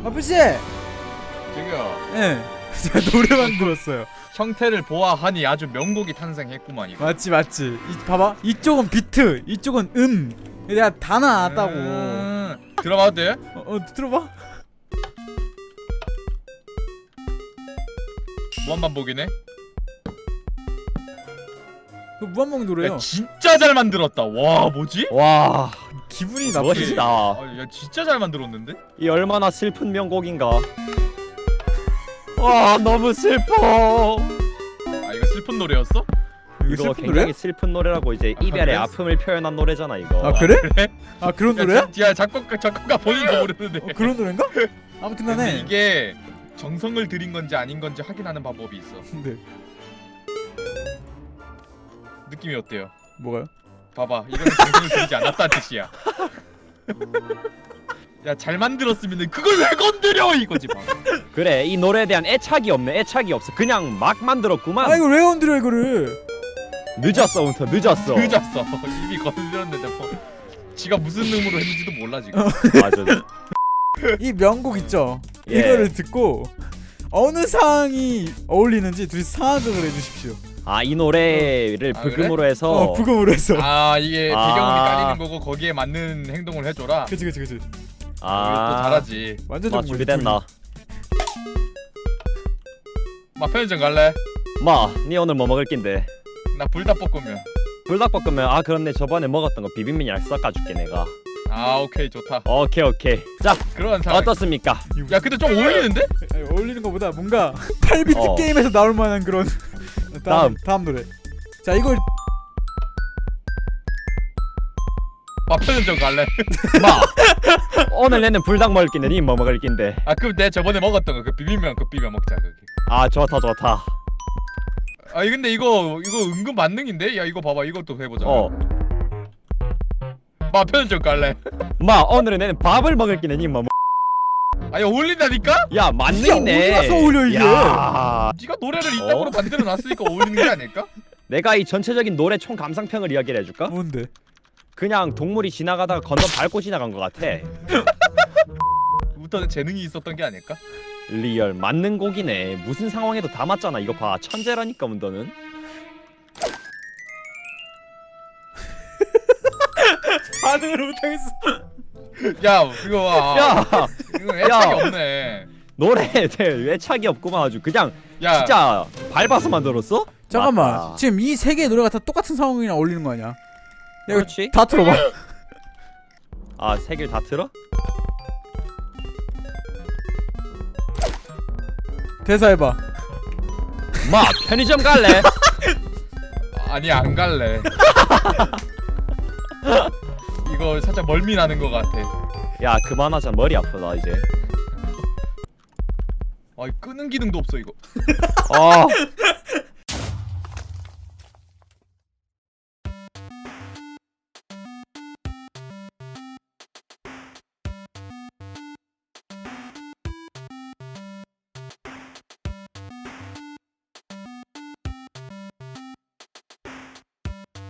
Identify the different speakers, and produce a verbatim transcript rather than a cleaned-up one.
Speaker 1: 아버지!
Speaker 2: 저기요.
Speaker 1: 예. 제가 노래만 들었어요.
Speaker 2: 형태를 보아하니 아주 명곡이 탄생했구만 이거.
Speaker 1: 맞지 맞지. 이, 봐봐. 이쪽은 비트, 이쪽은 음. 내가 다 나왔다고.
Speaker 2: 음, 들어봐도 돼?
Speaker 1: 어, 어 들어봐.
Speaker 2: 무한반복이네.
Speaker 1: 그 무한봉 노래요.
Speaker 2: 야 진짜 잘 만들었다. 와 뭐지?
Speaker 3: 와
Speaker 1: 기분이 나쁘지.
Speaker 3: 멋있다.
Speaker 2: 아, 야 진짜 잘 만들었는데?
Speaker 3: 이 얼마나 슬픈 명곡인가. 와 너무 슬퍼.
Speaker 2: 아 이거 슬픈 노래였어?
Speaker 1: 이거
Speaker 3: 이거
Speaker 1: 슬픈
Speaker 3: 굉장히
Speaker 1: 노래?
Speaker 3: 슬픈 노래라고 이제
Speaker 2: 아,
Speaker 3: 이별의
Speaker 2: 그래?
Speaker 3: 아픔을 표현한 노래잖아 이거.
Speaker 1: 아 그래?
Speaker 2: 그래?
Speaker 1: 아 그런
Speaker 2: 야,
Speaker 1: 노래야?
Speaker 2: 지- 야 작곡가 작곡가 본인도 모르는데.
Speaker 1: 어, 그런 노래인가? 아무튼
Speaker 2: 근데
Speaker 1: 간에
Speaker 2: 이게 정성을 들인 건지 아닌 건지 확인하는 방법이 있어.
Speaker 1: 근데
Speaker 2: 느낌이 어때요?
Speaker 1: 뭐가요?
Speaker 2: 봐봐 이거는 정성을 들이지 않았다는 뜻이야. 야 잘 만들었으면 그걸 왜 건드려 이거지 봐.
Speaker 3: 그래 이 노래에 대한 애착이 없네. 애착이 없어. 그냥 막 만들었구만.
Speaker 1: 아 이거 왜 건드려 이거를?
Speaker 3: 늦었어 운터 늦었어.
Speaker 2: 늦었어. 이미 건드렸는데 뭐 지가 무슨 의무로 했는지도 몰라 지금.
Speaker 3: 맞아.
Speaker 1: 이 명곡 있죠?
Speaker 3: 예.
Speaker 1: 이거를 듣고 어느 상황이 어울리는지 둘이 상황극을 해주십시오.
Speaker 3: 아 이 노래를
Speaker 2: 아,
Speaker 3: 부금으로 해서.
Speaker 1: 어 부금으로 해서.
Speaker 2: 아 이게
Speaker 3: 아.
Speaker 2: 배경음이 깔리는 거고 거기에 맞는 행동을 해줘라.
Speaker 1: 그치 그치 그치.
Speaker 3: 아,
Speaker 2: 또 잘하지.
Speaker 1: 완전
Speaker 3: 마
Speaker 1: 정말
Speaker 3: 준비됐나?
Speaker 2: 마 편의점 갈래?
Speaker 3: 마, 니 오늘 뭐 먹을 낀데?
Speaker 2: 나 불닭볶음면.
Speaker 3: 불닭볶음면. 아 그럼 내 저번에 먹었던 거 비빔면이랑 섞어줄게 내가.
Speaker 2: 아 오케이 좋다.
Speaker 3: 오케이 오케이. 자
Speaker 2: 그런 상황.
Speaker 3: 어떻습니까?
Speaker 2: 야 근데 좀 어울리는데?
Speaker 1: 아니, 어울리는 것보다 뭔가 팔 비트
Speaker 3: 어.
Speaker 1: 게임에서 나올 만한 그런. 다음
Speaker 3: 다음.
Speaker 1: 다음 노래. 자 이걸
Speaker 2: 마 편의점 갈래?
Speaker 3: 마, 오늘 내는 불닭 먹을 낀데 니 뭐 먹을 낀데?
Speaker 2: 아 그럼 내 저번에 먹었던 거 그 비빔면 그 비벼 먹자 거기.
Speaker 3: 아 좋다 좋다.
Speaker 2: 아 근데 이거 이거 은근 만능인데? 야 이거 봐봐 이것도 해보자.
Speaker 3: 어,
Speaker 2: 마 편의점 갈래?
Speaker 3: 마 오늘은 내는 밥을 먹을 낀데 니 뭐 먹?
Speaker 2: 아니 어울린다니까?
Speaker 3: 야 맞네.
Speaker 1: 어디 가서 어울려, 이게?
Speaker 3: 야,
Speaker 2: 네가 노래를 이따구로
Speaker 3: 어?
Speaker 2: 만들어 놨으니까 어울리는 게 아닐까?
Speaker 3: 내가 이 전체적인 노래 총 감상평을 이야기를 해줄까?
Speaker 1: 뭔데?
Speaker 3: 그냥 동물이 지나가다가 건너 밟고 지나간 것 같아.
Speaker 2: 부터 재능이 있었던 게 아닐까?
Speaker 3: 리얼 맞는 곡이네. 무슨 상황에도 다 맞잖아. 이거 봐 천재라니까 문더는.
Speaker 1: 반응을 못하겠어.
Speaker 2: 야 이거 봐.
Speaker 3: 야
Speaker 2: 이거 애착이
Speaker 3: 야.
Speaker 2: 없네.
Speaker 3: 노래에 대해 애착이 없구만 아주. 그냥
Speaker 2: 야
Speaker 3: 진짜 밟아서 만들었어?
Speaker 1: 잠깐만.
Speaker 3: 맞다.
Speaker 1: 지금 이 세 개의 노래가 다 똑같은 상황이랑 어울리는 거 아니야? 야, 이거
Speaker 3: 그렇지.
Speaker 1: 다 틀어봐.
Speaker 3: 아 세 개를 다 틀어?
Speaker 1: 대사 해봐.
Speaker 3: 마 편의점 갈래?
Speaker 2: 아니 안 갈래. 이거 살짝 멀미 나는 것 같아.
Speaker 3: 야 그만하자. 머리 아프다 이제.
Speaker 2: 아 끄는 기능도 없어 이거.
Speaker 3: 아